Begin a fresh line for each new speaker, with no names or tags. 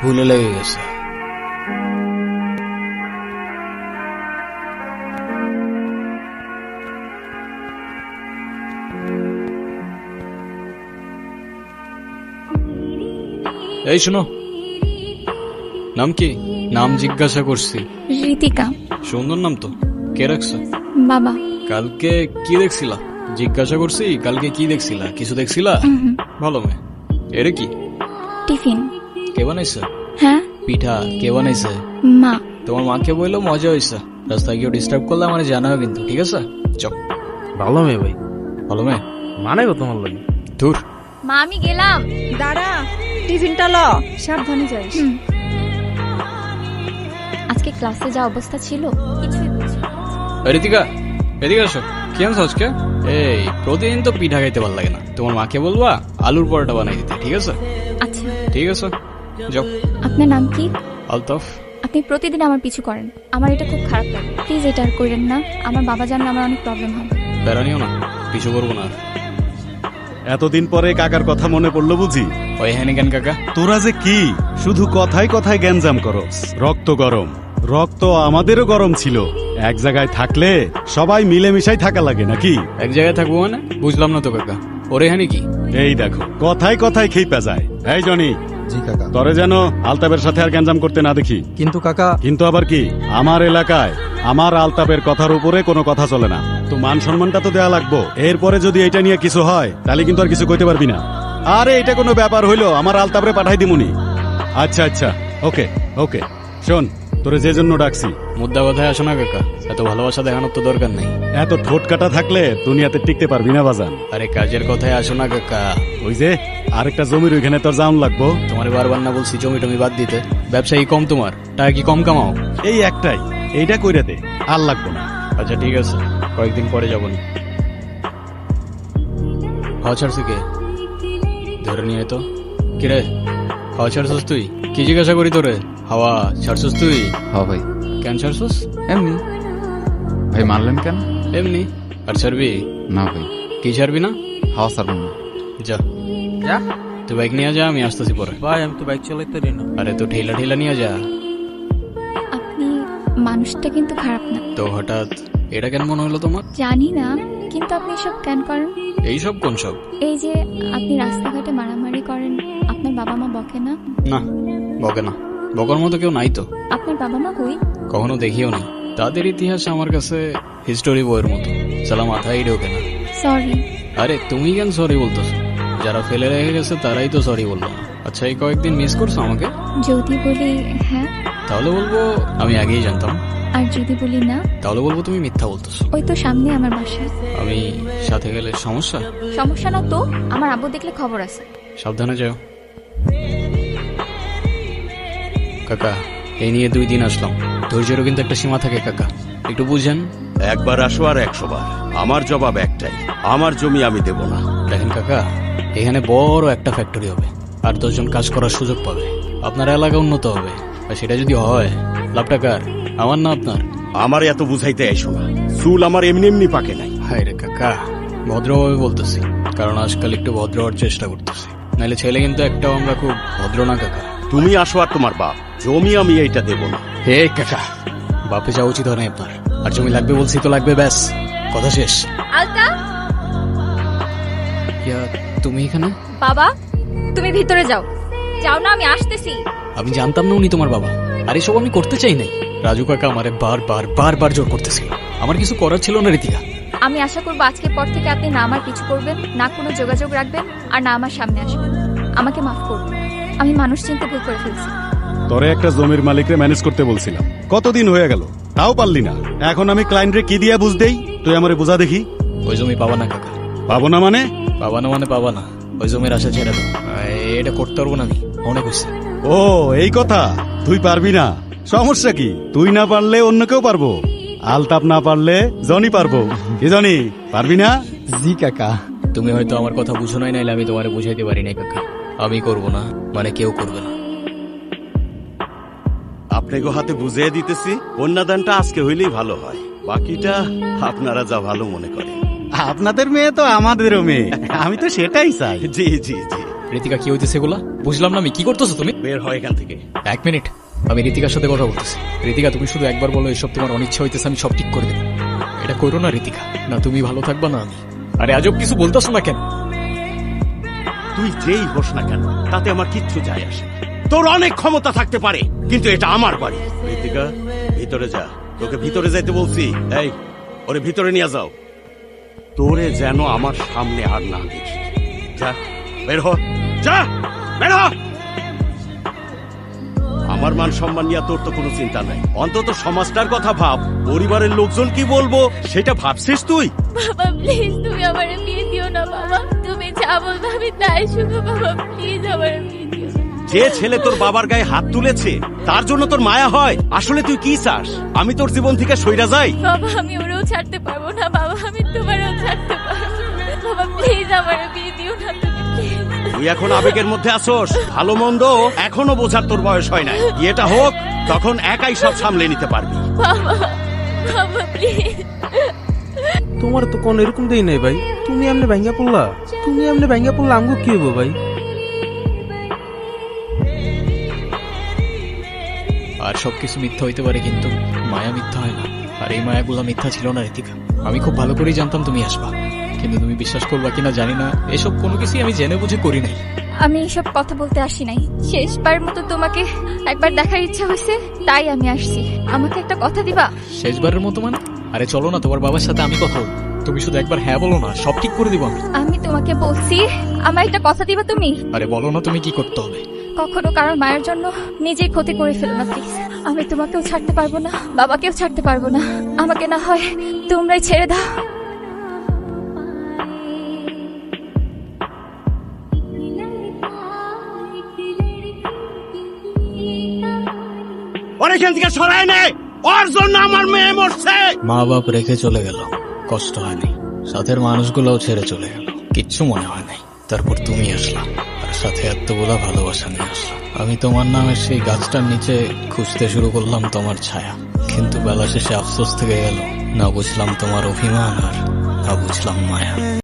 ভুলে লেগে গেছে। এই শোনো, নাম কি? নাম জিজ্ঞাসা করছি।
ঋতিকা।
সুন্দর নাম তো, কে রাখছে?
বাবা।
কালকে কি দেখছিলা? জিজ্ঞাসা করছি কালকে কি দেখছিলা? কিছু দেখছিলা? ভালো মেয়ে। এরে কি?
টিফিন।
কে বানাইছে?
হ্যাঁ,
পিঠা কে বানাইছে?
মা।
তোমার মাকে বললো মজা হয়েছে। রাস্তায় কেউ ডিস্টার্ব করলে আমার জানাও কিন্তু, ঠিক আছে? চল।
ভালো মেয়ে ভাই।
ভালো মেয়ে
মানে কত তোমার লাগে?
দূর।
মা আমি গেলাম।
দাঁড়া, টিফিনটা ল, সাবধানে যাইস।
আজকে ক্লাসে যা অবস্থা ছিল কিছুই বুঝি না।
ঋতিকা, এদিকে আসো। কি আনছো আজকে? এই প্রতিদিন তো পিঠা খাইতে ভালো লাগে না। তোমার মাকে বলবা আলুর পরোটা বানাই দিতে, ঠিক আছে?
আচ্ছা,
ঠিক আছে, যাও।
আপনার নাম কি?
আলতাফ।
আপনি প্রতিদিন আমার পিছু করেন, আমার এটা খুব খারাপ লাগে। প্লিজ এটা আর করেন না, আমার বাবা জানলে আমার অনেক প্রবলেম হবে।
বেড়ানিও না, পিছু করবো না আর।
এতদিন পরে কাকার কথা মনে পড়লো বুঝি?
ওই হ্যানি কেন কাকা?
তোরা যে কি শুধু কথায় কথায় গ্যাঞ্জাম করস। রক্ত গরম, রক্ত আমাদেরও গরম ছিল। এক জায়গায় থাকলে সবাই মিলেমিশাই থাকা লাগে নাকি?
এক জায়গায় থাকবো মানে? বুঝলাম না তো কাকা, ওরে হ্যানি কি?
এই দেখো কথায় কথায় খেপা যায়। এই জনি,
জি কাকা।
তরে যেন আলতাপের সাথে আর গ্যাঞ্জাম করতে না দেখি।
কিন্তু কাকা,
কিন্তু আবার কি, আমার এলাকায় আমার আলতাপের কথার উপরে কোনো কথা চলে না। তো মান সম্মানটা তো দেয়া লাগবো। এরপরে যদি এটা নিয়ে কিছু হয় তাহলে কিন্তু আর কিছু কইতে পারবি না। আরে এটা কোনো ব্যাপার হইলো, আমার আলতাপরে পাঠাই দিমুনি। আচ্ছা আচ্ছা, ওকে ওকে। শোন, তোরে যে জন্য ডাকছি,
মুদ্রা কথায় আসো না কাকা, এত ভালোবাসা দেখানোর তো দরকার নেই।
এত ঠোঁট কাটা থাকলে দুনিয়াতে টিকতে পারবি না বাজান।
আরে কাজের কথায় আসো না কাকা।
ওই যে আরেকটা জমির ওইখানে তোর জাউন লাগবো।
তোমার বারবার না বলছি জমি টমি বাদ দিতে? ব্যবসায়ী কম তোমার, টাকা কি কম কামাও?
এই একটাই, এইটা কইরা দে, আর লাগবো না।
আচ্ছা ঠিক আছে, কয়েকদিন পরে যাবো নি। হাওয়া ছাড়ছি কে? ধরে নিয়ে তো। কিরে, হাওয়া ছাড়ছস তুই? কি জিজ্ঞাসা করি তোরে? হাওয়া ছাড়ছস তুই?
হ্যাঁ ভাই।
কেন ছাড়ছস?
এমনি। ভাই মারলেন কেন?
এমনি। আর ছাড়বি?
না ভাই।
কি ছাড়বি না?
হাওয়া ছাড়বো না।
যা
যা
তুই বাইক নিয়ে যা, আমি আসতেছি পরে।
ভাই, আমি তো বাইক চালাইতে পারি না।
আরে তো ঠেলা ঠেলা নিয়ে যা।
আপনি মানুষটা কিন্তু খারাপ না।
তো হঠাৎ এটা কেন মনে হলো তোমার?
জানি না, কিন্তু আপনি এসব কেন করেন?
এইসব কোন সব?
এই যে আপনি রাস্তাঘাটে মারামারি করেন, আপনার বাবা মা বকে না?
না, বকে না। বকার মতো কেউ নাই তো।
আপনার বাবা মা কই?
কখনো দেখিও নি। তাদের ইতিহাস আমার কাছে হিস্টোরি বইয়ের মতো, সালা মাথায় ঢোকে না।
সরি।
আরে তুমি কেন সরি বলতেছো? যারা ফেলে রেখে গেছে তারাই তো সরি বললো না। আচ্ছা এই কয়েকদিন মিস করছো আমাকে?
যদি বলি হ্যাঁ,
তাহলে বলবো আমি আগেই জানতাম।
আর যদি বলি না,
তাহলে বলবো তুমি মিথ্যা বলতেছো।
ওই তো সামনে আমার বাসা।
আমি সাথে গেলে সমস্যা?
সমস্যা না তো, আমার আব্বু দেখলে খবর আছে।
সাবধানে যাও। কাকা, এই নিয়ে 2 দিন আসলাম, ধৈর্যেরও কিন্তু একটা সীমা থাকে কাকা, একটু বুঝেন।
একবার আসো আর 100 বার। আমার জবাব একটাই, আমার জমি আমি দেব না।
দেখেন কাকা, এখানে বড় একটা ফ্যাক্টরি হবে, আর 10 জন কাজ করার সুযোগ পাবে। আপনার এলাকা উন্নত হবে, আর সেটা যদি হয় লাভটা কার? আমার না আপনার?
আমার এত বুঝাইতে আইসো না, চুল আমার এমনি এমনি পাকে নাই।
হায় রে কাকা, ভদ্রভাবে বলতেছি, কারণ আজকাল একটু ভদ্র হওয়ার চেষ্টা করতেছি, নাহলে ছেলে কিন্তু একটাও আমরা খুব ভদ্র না কাকা।
তুমি আসো আর তোমার বাপ, জমি আমি এইটা দেব না।
হে কাকা, বাপে যাওয়া উচিত হয় না আপনার। আর জমি লাগবে বলছি তো লাগবে, ব্যাস, কথা শেষ।
আলতা।
ইয়া, তুমি এখানে?
বাবা, তুমি ভিতরে যাও। যাও না, আমি আসতেছি।
আমি জানতাম না উনি তোমার বাবা, আর এসব আমি করতে চাই নাই। রাজু কাকা আমারে বারবার জোর করতেছিল, আমার কিছু করার ছিল না ঋতিকা।
আমি আশা করবো আজকের পর থেকে আপনি না আমার কিছু করবেন, না কোনো যোগাযোগ রাখবেন, আর না আমার সামনে আসবেন। আমাকে মাফ করবেন, আমি মানুষ চিনতে ভুল করে ফেলছি।
তোরে একটা জমির মালিকরে ম্যানেজ করতে বলছিলাম, কতদিন হয়ে গেল, তাও পারলি না। এখন আমি ক্লায়েন্টরে কি দিয়া বুঝ দেই, তুই আমারে বুঝা দেখি।
ওই জমি পাবা না কাকা।
পাবো না মানে?
পাবা না মানে পাবা না, ওই জমির আশা ছেড়ে দাও। এটা করতে পারবো না আমি, অনেক হয়েছে।
ও এই কথা, তুই পারবি না, সমস্যা কি? তুই না পারলে অন্য কেউ পারবো, আলতাপ না পারলে জনি পারবো। কি জনি, পারবি না?
জি কাকা।
তুমি হয়তো আমার কথা বুঝো নাই, নাইলে আমি তোমারে বুঝাইতে পারি নাই কাকা। আমি করব না মানে কেউ করবে না।
আপনাকে হাতে বুঝিয়ে দিতেছি, কন্যাদানটা আজকে হইলেই ভালো হয়, বাকিটা আপনারা যা ভালো মনে করেন।
আপনাদের মেয়ে তো আমাদেরও মেয়ে, আমি তো সেটাই চাই।
জি জি জি।
ঋতিকা কি হইতেছে এগুলা? বুঝলাম না আমি, কি করতেছো তুমি?
বের হয় এখান থেকে।
1 মিনিট, আমি ঋতিকার সাথে কথা বলতেছি। ঋতিকা, তুমি শুধু একবার বলো এসব তোমার অনিচ্ছা হইতেছে, আমি সব ঠিক করে দেবো। এটা করো না ঋতিকা, না তুমি ভালো থাকবা না আমি। আরে আজব কিছু বলতেছো না কেন?
তুই যেই হোস না কেন তাতে আমার কিচ্ছু যায় আসে না। তোর অনেক ক্ষমতা থাকতে পারে, কিন্তু এটা আমার বাড়ি। ঋতিকা, ভিতরে যা, তোকে ভিতরে যাইতে বলছি। এই, ওরে ভিতরে নিয়ে যাও। তোরে যেন আমার সামনে আর না দেখি। যা, বের হ, যা, বের হ। আমার মান সম্মান নিয়ে তোর তো কোনো চিন্তা নাই, অন্তত সমাজটার কথা ভাব। পরিবারের লোকজন কি বলবো সেটা ভাবছিস তুই?
বাবা প্লিজ তুমি আমার বিয়ে দিও না বাবা, তুমি যা বলবে আমি তাই শুনো বাবা, প্লিজ আমার বিয়ে দিও না।
যে ছেলে তোর বাবার গায়ে হাত তুলেছে তার জন্য তোর মায়া হয়? আসলে তুই কি চাস, আমি তোর জীবন থেকে সইরা যাই?
বাবা আমি ওরেও ছাড়তে পারবো না বাবা, আমি তোমারও ছাড়তে পারবো না বাবা, প্লিজ আমার বিয়ে দিও না তুমি প্লিজ।
তুই এখন আবেগের মধ্যে আসোস, ভালো মন্দ এখনো বোঝার তোর বয়স হয় নাই। বিয়েটা হোক, তখন একাই সব সামলে নিতে পারবি।
বাবা বাবা প্লিজ।
তোমার তো কোন এরকম দেই নাই ভাই, তুমি এমনি ভাঙ্গা পড়লা। তুমি এমনি ভাঙ্গা পড়লা আমগো কি হইব ভাই?
আর সবকিছু মিথ্যা হইতে পারে, কিন্তু মায়া মিথ্যা হয় না। আর এই মায়াগুলো মিথ্যা ছিল না ঋতিকা। আমি খুব ভালো করেই জানতাম তুমি আসবা, কিন্তু তুমি বিশ্বাস করবা কিনা জানি না, এসব কোনো কিছুই আমি জেনে বুঝে করি নাই।
আমি এসব কথা বলতে আসি নাই, শেষবার মতো তোমাকে একবার দেখার ইচ্ছা হয়েছে তাই আমি আসছি। আমাকে একটা কথা দিবা?
শেষবারের মতো মানে? আরে চলো না, তোমার বাবার সাথে আমি কথা বলবো। তুমি শুধু একবার হ্যাঁ বলো না, সব ঠিক করে দিব আমি।
আমি তোমাকে বলছি আমার একটা কথা দিবা তুমি?
আরে বলো না তুমি কি করতে হবে।
কখনো কারোর মায়ের জন্য নিজেই ক্ষতি করে ফেলো না প্লিজ। আমি তোমাকেও ছাড়তে পারবো না, বাবাকেও ছাড়তে পারবো না। আমাকে না হয় তোমরাই ছেড়ে দাও।
ওর এখান থেকে সরাই নে, ওর জন্য আমার মেয়ে মরছে।
মা বাপ রেখে চলে গেল, কষ্ট হয়নি। সাথের মানুষগুলোও ছেড়ে চলে গেল, কিচ্ছু মনে হয় নাই। তারপর তুমি আসলা, আর সাথে এতগুলা ভালোবাসা নিয়ে আসলা। আমি তোমার নামের সেই গাছটার নিচে খুঁজতে শুরু করলাম তোমার ছায়া, কিন্তু বেলা শেষে আফসোস থেকে গেল। না বুঝলাম তোমার অভিমান, আর না বুঝলাম মায়া।